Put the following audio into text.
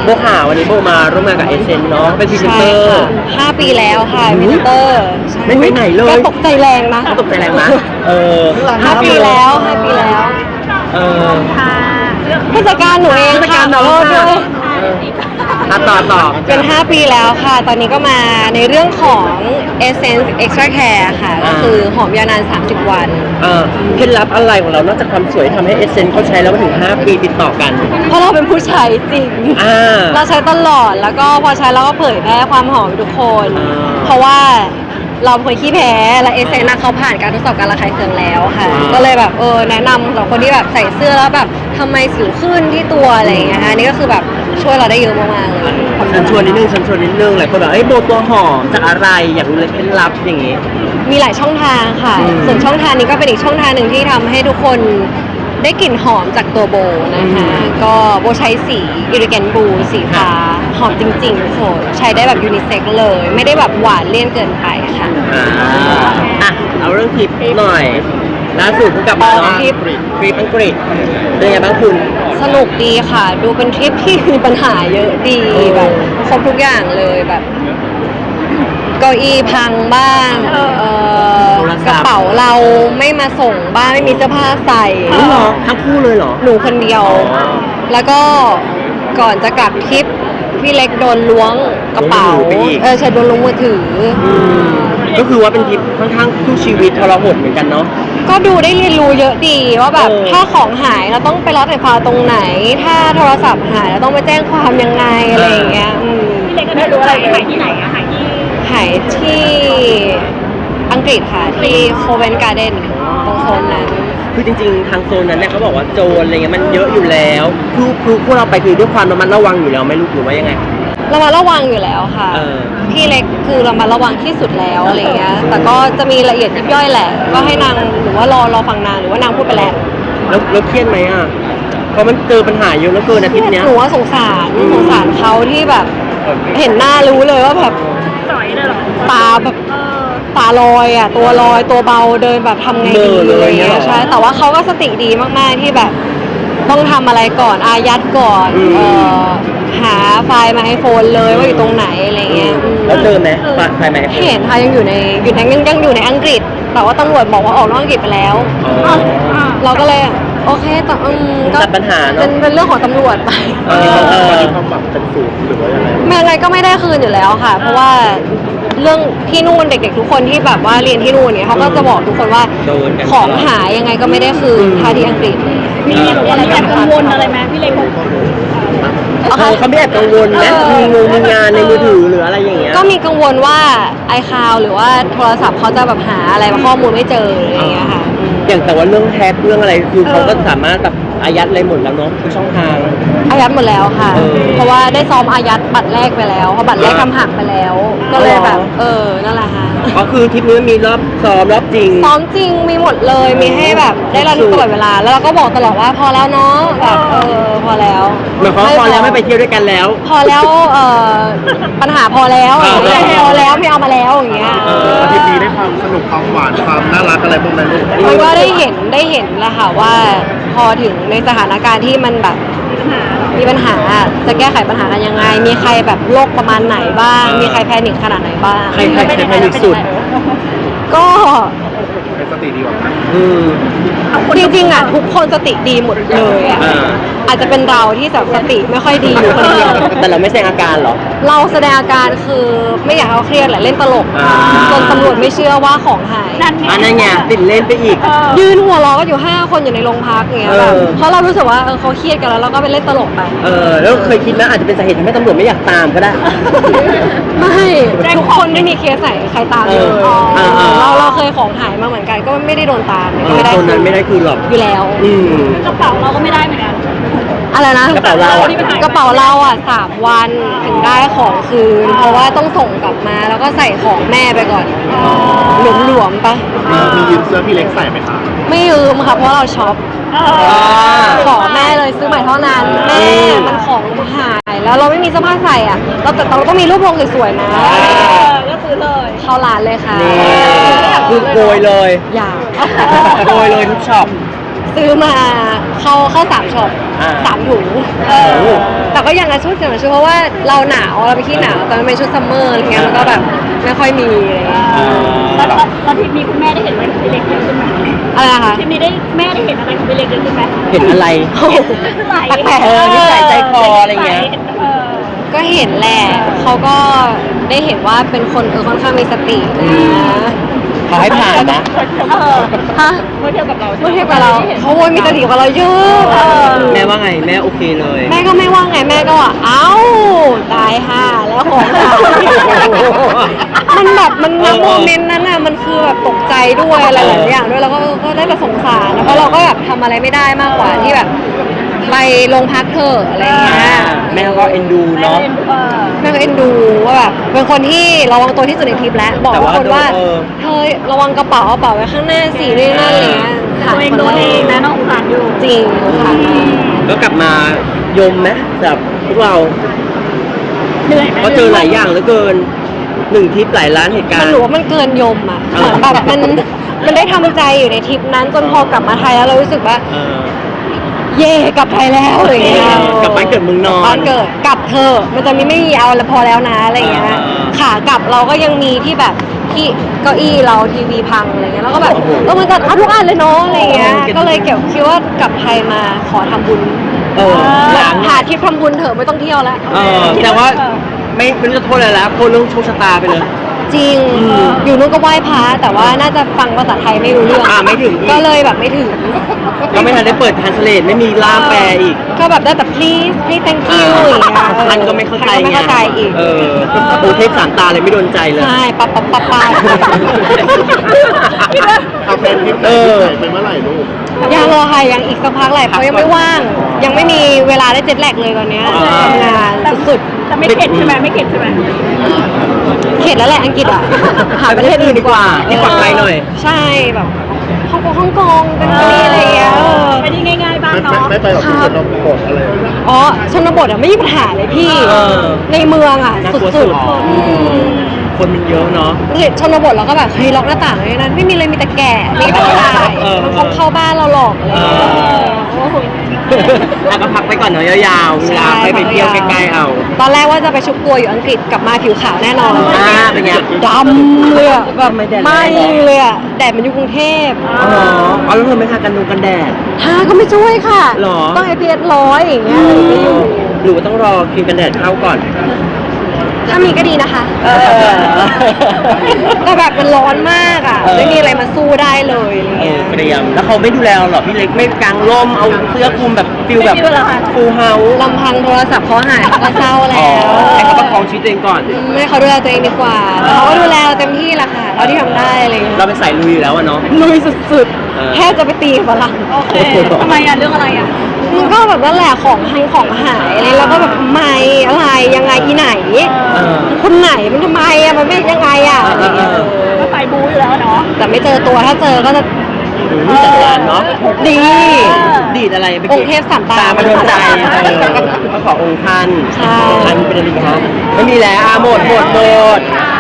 โบข่าววันนี้โบมาร่วมงานกับเอเซนเนาะเป็นพรีเซนใช่เตอร์ค่ะ5 ปีแล้วค่ะพรีเซนเตอร์ใช่ไม่ไปไหนเลยก็ตกใจแรงนะตกใจแรงนะ 5 ปีแล้ว5 ปีแล้วเออผู้จัดการหนูเองค่ะขอโทษด้วยต่อเป็น5 ปีแล้วค่ะ ตอนนี้ก็มาในเรื่องของ Essence Extra Care ค่ะ ก็คือหอมยาวนาน30 วันเคล็ดลับอะไรของเรานอกจากความสวยทำให้เอเซนเขาใช้แล้วมาถึง5 ปีติดต่อกันเพราะเราเป็นผู้ใช้จริง เราใช้ตลอด แล้วก็พอใช้เราก็เผยแพร่ความหอมให้ทุกคน เพราะว่าเราเป็นคนขี้แพ้ และเอเซนเขาผ่านการทดสอบการระคายเคืองแล้วค่ะ ก็เลยแบบแนะนำสำหรับคนที่แบบใส่เสื้อแล้วแบบทำไมสิวขึ้นที่ตัวอะไรอย่างเงี้ยค่ะนี่ก็คือแบบช่วยเราได้เยอะมากๆเลยฉันชวนนิดนึงหลายคนแบบโบตัวหอมจากอะไรอยากรู้เลยเคล็ดลับอย่างงี้มีหลายช่องทางค่ะ ส่วนช่องทางนี้ก็เป็นอีกช่องทางหนึ่งที่ทำให้ทุกคนได้กลิ่นหอมจากตัวโบนะคะ ก็โบใช้สีอิริเกนบูสีฟ้าหอมจริงๆทุกคนใช้ได้แบบยูนิเซ็กเลย ไม่ได้แบบหวานเลี่ยนเกินไปค่ะเอาเรื่องทริปหน่อยล่าสุดเพิ่งกลับมาเนาะทริปอังกฤษเป็นไงบ้างคุณสนุกดีค่ะ ดูเป็นทริปที่มีปัญหาเยอะดีแบบครบทุกอย่างเลยแบบเก้าอี้พังบ้างกระเป๋าเราไม่มาส่งบ้างไม่มีเสื้อผ้าใส่เหรอทั้งคู่เลยเหรอหนูคนเดียว แล้วก็ก่อนจะกลับทริปพี่เล็กโดนล้วงกระเป๋าใช่โดนล้วงมือถือก็คือว่าเป็นทริปค่อนข้างสู้ชีวิตทรหดเหมือนกันเนาะก็ดูได้เรียนรู้เยอะดีว่าแบบถ้าของหายเราต้องไปรับไฟฟ้าตรงไหน ถ้าโทรศัพท์หายเราต้องไปแจ้งความยังไงอะไรอย่างเงี้ยพี่เล็กก็ได้รู้อะไรหายที่ไหนอะหายที่หายที่อังกฤษค่ะที่โคเวนการ์เดนตรงโซนนั้นคือจริงๆทางโซนนั้นเนี่ยเขาบอกว่าโจรอะไรเงี้ยมันเยอะอยู่แล้วคือพวกเราไปคือด้วยความระมัดระวังอยู่แล้วไม่รู้หรือว่ายังไงเรามาระวังอยู่แล้วค่ะพี่เล็กคือเรามาระวังที่สุดแล้วอะไรเงี้ยแต่ก็จะมีละเอียดยิบย่อยแหละก็ให้นางหรือว่ารอฟังนางหรือว่านางพูดไปแล้วเครียดไหมอ่ะเพราะมันเจอปัญหาเยอะแล้วเกินอาทิตย์เนี้ยหนูว่าสงสารเขาที่แบบเห็นหน้ารู้เลยว่าแบบสอยเลยเหรอตาแบบตาลอยอ่ะตัวลอยตัวเบาเดินแบบทำไงดีอะไรเงี้ยใช่แต่ว่าเขาก็สติดีมากๆที่แบบต้องทำอะไรก่อนอายัดก่อนหาไฟล์มาให้โฟนเลยว่าอยู่ตรงไหนอะไรเงี้ยแล้วเจอไหมไฟล์ไหมเห็นค่ะยังอยู่ในยังอยู่ในอังกฤษแต่ว่าตำรวจบอกว่าออกนอกอังกฤษไปแล้วเราก็เลยโอเคแต่ก็จัดปัญหาเนาะเป็นเรื่องของตำรวจไปความหวังเป็นศูนย์หรือว่ายังไงไม่อะไรก็ไม่ได้คืนอยู่แล้วค่ะ เพราะว่าเรื่องที่นู่นเด็กๆทุกคนที่แบบว่าเรียนที่นู่นเนี่ยเขาก็จะบอกทุกคนว่าของหายยังไงก็ไม่ได้คืนถ้าที่อังกฤษมีอะไรแอบกังวลอะไรไหมพี่เล็กบอกเขาไม่แอบกังวลนะมีงานในมือถือหรืออะไรอย่างเงี้ยก็มีกังวลว่าiCloud หรือว่าโทรศัพท์เขาจะแบบหาอะไรข้อมูลไม่เจออะไรอย่างเงี้ยค่ะอย่างแต่ว่าเรื่องแท็กเรื่องอะไรคือเขาก็สามารถแบบอายัดอะไรหมดแล้วเนาะทุกช่องทางอายัดหมดแล้วค่ะเพราะว่าได้ซ้อมอายัดบัตรแรกไปแล้วเพราะบัตรแรกทำหักไปแล้วก็เลยแบบนั่นแหละค่ะก็คือทริปนี้มีรอบซ้อมรอบจริงซ้อมจริงมีหมดเลยมีให้แบบได้ระลึกตลอดเวลาแล้วเราก็บอกตลอดว่าพอแล้วเนาะแบบพอแล้วหมายความว่าพอแล้วไม่ไปเที่ยวด้วยกันแล้วพอแล้วปัญหาพอแล้วพอแล้วไม่เอามาแล้วอย่างเงี้ยอาทิตย์นี้ได้ความสนุกความหวานความน่ารักอะไรพวกนั้นเพราะว่าได้เห็นแหละค่ะว่าพอถึงในสถานการณ์ที่มันแบบมีปัญหาจะแก้ไขปัญหากันยังไงมีใครแบบโรคประมาณไหนบ้างมีใครแพนิคขนาดไหนบ้างใครแพนิคสุดก็เป็นสติดีกว่าจริงๆอ่ะทุกคนสติดีหมดเลยอ่ะอาจจะเป็นเราที่แบบสติไม่ค่อยดีอยู่คนเดียวแต่เราไม่แสดงอาการหรอเราแสดงอาการคือไม่อยากให้เขาเครียดแหละเล่นตลกจนตำรวจไม่เชื่อว่าของหายนั่นไงติดเล่นไปอีกยืนหัวเราะก็อยู่5 คนอยู่ในโรงพักอย่างเงี้ยแบบเพราะเรารู้สึกว่าเขาเครียดกันแล้วเราก็ไปเล่นตลกไปแล้วเคยคิดนะอาจจะเป็นสาเหตุทำให้ตำรวจไม่อยากตามก็ได้ไม่ทุกคนไม่มีเคสไหนใครตามเลยเราเคยของหายมาเหมือนกันก็ไม่ได้โดนตามไม่ได้คนนั้นไม่ได้คืนหรอกอยู่แล้วกระเป๋าเราก็ไม่ได้เหมือนกันอะไรนะกระเป๋าเรา 3 วันถึงได้ของคืนเพราะว่าต้องส่งกลับมาแล้วก็ใส่ของแม่ไปก่อนหลวมๆปะมียืมเสื้อพี่เล็กใส่ไหมคะไม่ยืมค่ะเพราะเราช็อปขอแม่เลยซื้อใหม่เท่านั้นแม่มันของหายแล้วเราไม่มีเสื้อผ้าใส่อ่ะเราต้องมีรูปลงสวยๆนะก็ซื้อเลยเข้าร้านเลยค่ะคือโกยเลยอยากโกยเลยทุกช็อปซื้อมาเข้า3ช็อปอ่า 3 ถุงโอ้โหแต่ก็ยังชุดเพราะว่าเราหนาวเราไปขี้หนาวแต่มันเป็นชุดซัมเมอร์อะไรเงี้ยมันก็แบบไม่ค่อยมีอะไรเงี้ยแล้วทริปนี้คุณแม่ได้เห็นอะไรของพี่เล็กเยอะขึ้นไหมอะไรนะคะทริปนี้แม่ได้เห็นอะไรของพี่เล็กเยอะขึ้นไหมเห็นอะไรแปลกเออนิสัยใจคออะไรเงี้ยก็เห็นแหละเขาก็ได้เห็นว่าเป็นคนค่อนข้างมีสตินะเขาให้ผ่านนะฮะเมื่อเทียบกับเราเมื่อเทียบกับเราเขาโวยมีสติกว่าเราเยอะแม่ว่าไงแม่โอเคเลยแม่ก็ไม่ว่าไงแม่ก็ว่าเอ้าตายห่าแล้วของหายมันแบบมันณโมเมนต์นั้นน่ะมันคือแบบตกใจด้วยอะไรหลายอย่างด้วยแล้วก็ได้แต่สงสารแล้วก็เราก็แบบทำอะไรไม่ได้มากกว่าที่แบบไปโรงพักเถอะอะไรอย่างเงี้ยแม่ก็เอ็นดูเนาะแม่ก็เอ็นดูว่าแบบเป็นคนที่ระวังตัวที่สุดในทริปแล้วบอกทุกคนว่าแต่ว่าเธอระวังกระเป๋าไว้ข้างหน้าสินี่นั่นอะไรเงี้ยตัวเองโดนเองนะน้องสารอยู่จริงค่ะก็กลับมายมไหมสำหรับพวกเราเหนื่อยไหมก็เจอหลายอย่างเหลือเกินหนึ่งทริปหลายล้านเหตุกามันรณ์หนูว่ามันเกินยมอ่ะเหมือนแบบมันได้ทำใจอยู่ในทริปนั้นจนพอกลับมาไทยแล้วเรารู้สึกว่าเออเย่กลับไทยแล้วอะไรเงี้ยกลับบ้านเกิดเมืองนอนบ้านเกิดกลับเธอะมันจะไม่มีเอาแล้วพอแล้วนะอะไรเงี้ย ขากลับเราก็ยังมีที่แบบที่เก้าอี้เราทีวีพังอะไรเงี้ยแล้วก็แบบมันจะเอาทุกอันเลยเนาะอะไรเงี้ยก็เลยเก็บคิดว่ากลับไทยมาขอทำบุญเออล้างหาทริปทำบุญเถอะไม่ต้องเที่ยวแล้วแต่ว่าไม่รู้จะโทษอะไรแล้วโทษเรื่องโชคชะตาไปเลยจริง อยู่นู้นก็ไหว้พระแต่ว่าน่าจะฟังภาษาไทยไม่รู้เรื่องไม่ถึงอีกก็เลยแบบไม่ถึงก็ไม่ทันได้เปิดทรานสเลทไม่มีล่ามแปลอีกก็แบบได้แต่ please thank you อย่างเงี้ยท่านก็ไม่เข้าใจท่นก็ไม่เข้าใจอีกโอเทพสามตาเลยไม่โดนใจเลยใช่ปั๊บเอาแฟนทริปไหนไปเมื่อไหร่ลูกยังรอค่ะยังอีกสักพักแหละเขายังไม่ว่าง ยังไม่มีเวลาได้เจ็ตแลกเลยตอนเนี้ยทำงานสุดแต่ไม่เข็ดใช่ไหมไม่เข็ดใช่ไหมๆเข็ดแล้วแหละอังกฤษอ่ะหาประเทศอื่นดีกว่าที่ปลอดภัยหน่อยใช่แบบฮ่องกงเป็นที่อะไรอย่างเงี้ยไปที่ง่ายๆบ้างเนาะไม่ไปหรอกที่ชนบทอะไรอ๋อชนบทอ่ะไม่มีปัญหาเลยพี่เออในเมืองอ่ะน่ากลัวสุดสุดๆอืมคนมันเยอะเนาะเห็นชนบทเราก็แบบเฮ้ยล็อกหน้าต่างเลยนั้นไม่มีเลยมีแต่แก่มีแต่ผู้ชายเออมันคงเข้าบ้านเราหลอกอะไรอย่างเลยโอ้โหแล้วก็พักไปก่อนเนาะยาวๆเวลาไปเที่ยวใกล้ๆเอาตอนแรกว่าจะไปชุบตัวอยู่อังกฤษกลับมาผิวขาวแน่นอนเป็นไงดำเลยอะแบบทำไมแดดแรงไหม่เลยอะแดดมันอยู่กรุงเทพอ๋อเอาแล้วเธอไม่ทากันกันแดดทาก็ไม่ช่วยค่ะหรอต้อง SPF 100อย่างเงี้ยถึงจะอยู่หรือว่าต้องรอครีมกันแดดเข้าก่อนถ้ามีก็ดีนะคะ แต่แบบมันร้อนมากอ่ะ ไม่มีอะไรมาสู้ได้เลยอะไรเงี้ยเตรียมแล้วเขาไม่ดูแลเราหรอพี่เล็กไม่กางร่มเอาเสื้อคลุมแบบฟิลแบบฟูลเฮาส์ลำพังโทรศัพท์เขาหายเขาก็เศร้าอ๋แล้อวให้เขาประคองชีวิตตัวเองก่อนไม่เขาดูแลตัวเองดีกว่าแต่เขาก็ดูแลเราเต็มที่แหละค่ะเท่าที่ทำได้อะไรเงี้ยเราเป็นสายลุยอยู่แล้วอะเนาะลุยสุดเออๆแทบจะไปตีกับฝรั่งโอเคทำไมเรื่องอะไรอ่ะมันก็แบบนั่นแหละของหายอะไรแล้วก็แบบไม่อะไรยังไงอีไหนเออคนไหนมันทำไมอะมันไม่ยังไงอะอะไรเงี้ยก็ไปบู๊อยู่แล้วเนาะแต่ไม่เจอตัวถ้าเจอก็จะจัดการเนาะดีดีดอะไรไปองค์เทพสามตามาโดนใจก็ขอองค์ท่านใช่องค์ท่านเป็นอะไรครับไม่มีแล้วหมด